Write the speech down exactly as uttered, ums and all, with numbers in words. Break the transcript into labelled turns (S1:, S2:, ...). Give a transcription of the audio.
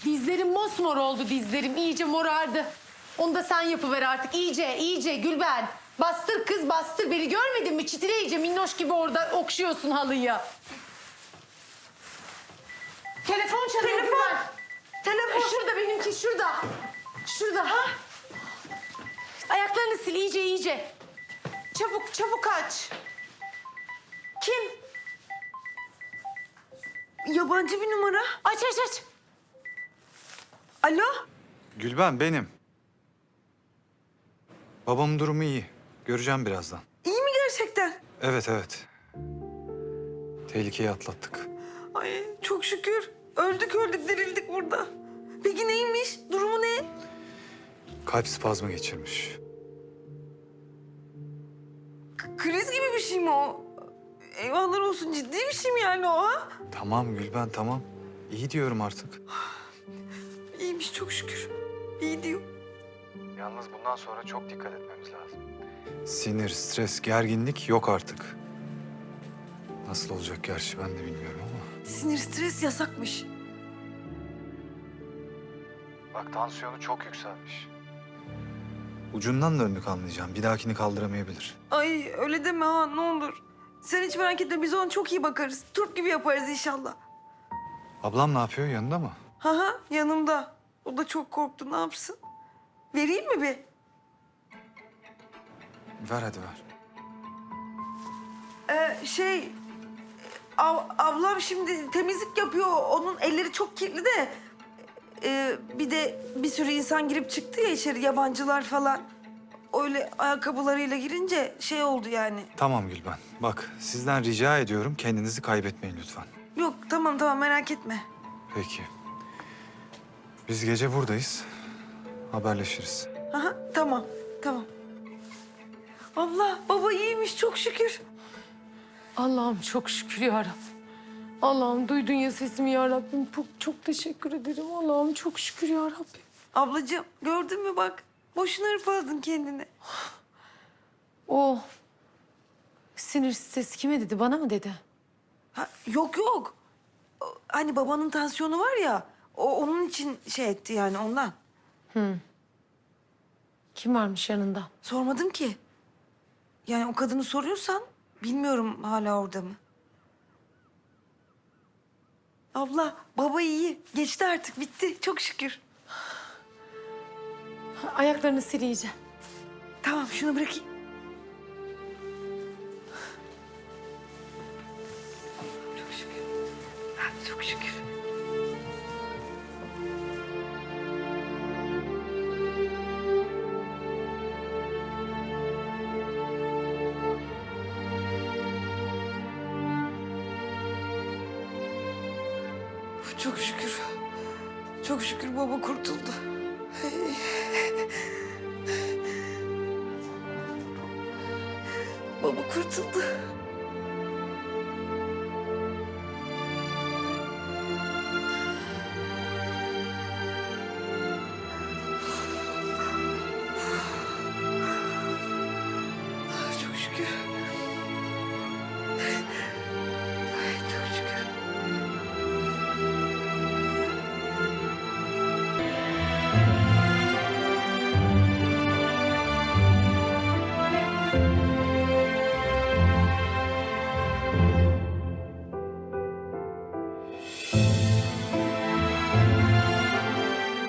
S1: Dizlerim mosmor oldu dizlerim. İyice morardı. Onu da sen yapıver artık. İyice, iyice Gülben. Bastır kız bastır. Beni görmedin mi? Çitile iyice minnoş gibi orada okşuyorsun halıyı. Telefon çalıyor
S2: Telefon.
S1: Gülben.
S2: Telefon.
S1: Şurada benimki şurada. Şurada. Ha? Ayaklarını sil iyice iyice.
S2: Çabuk çabuk aç.
S1: Kim?
S2: Yabancı bir numara.
S1: Aç aç aç.
S2: Alo.
S3: Gülben benim. Babamın durumu iyi. Göreceğim birazdan.
S2: İyi mi gerçekten?
S3: Evet evet. Tehlikeyi atlattık.
S2: Ay çok şükür. Öldük öldük dirildik burada. Peki neymiş? Durumu ne?
S3: Kalp spazmı geçirmiş.
S2: K- kriz gibi bir şey mi o? Eyvallah olsun, ciddi bir şey mi yani o ha?
S3: Tamam Gülben tamam. İyi diyorum artık.
S2: İyiymiş çok şükür. İyi diyor.
S3: Yalnız bundan sonra çok dikkat etmemiz lazım. Sinir, stres, gerginlik yok artık. Nasıl olacak gerçi ben de bilmiyorum ama.
S2: Sinir stres yasakmış.
S3: Bak tansiyonu çok yükselmiş. Ucundan döndük anlayacağım. Bir dahakini kaldıramayabilir.
S2: Ay öyle deme ha, ne olur. Sen hiç merak etme, biz ona çok iyi bakarız. Turp gibi yaparız inşallah.
S3: Ablam ne yapıyor? Yanında mı?
S2: Ha ha, yanımda. O da çok korktu, ne yapsın? Vereyim mi bir?
S3: Ver hadi ver.
S2: Ee, şey... Ab, ablam şimdi temizlik yapıyor. Onun elleri çok kirli de. Ee, bir de bir sürü insan girip çıktı ya içeri, yabancılar falan. Öyle ayakkabılarıyla girince şey oldu yani.
S3: Tamam Gülben. Bak sizden rica ediyorum kendinizi kaybetmeyin lütfen.
S2: Yok tamam tamam, merak etme.
S3: Peki. Biz gece buradayız. Haberleşiriz.
S2: Aha, tamam tamam. Abla baba iyiymiş çok şükür.
S1: Allah'ım çok şükür ya Rabbim. Allah'ım duydun ya sesimi ya Rabbim. Çok, çok teşekkür ederim. Allah'ım çok şükür ya Rabbim.
S2: Ablacığım gördün mü bak. Boşuna hırpaladın kendini.
S1: O sinir stres kime dedi? Bana mı dedi?
S2: Ha, yok yok. O, hani babanın tansiyonu var ya. O onun için şey etti yani, ondan.
S1: Kim varmış yanında?
S2: Sormadım ki. Yani o kadını soruyorsan bilmiyorum hala orada mı. Abla baba iyi. Geçti artık, bitti çok şükür.
S1: Ayaklarını sil iyice.
S2: Tamam şunu bırakayım. Çok şükür. Ha, çok şükür. Uf, çok şükür. Çok şükür baba kurtuldu. Baba kurtuldu.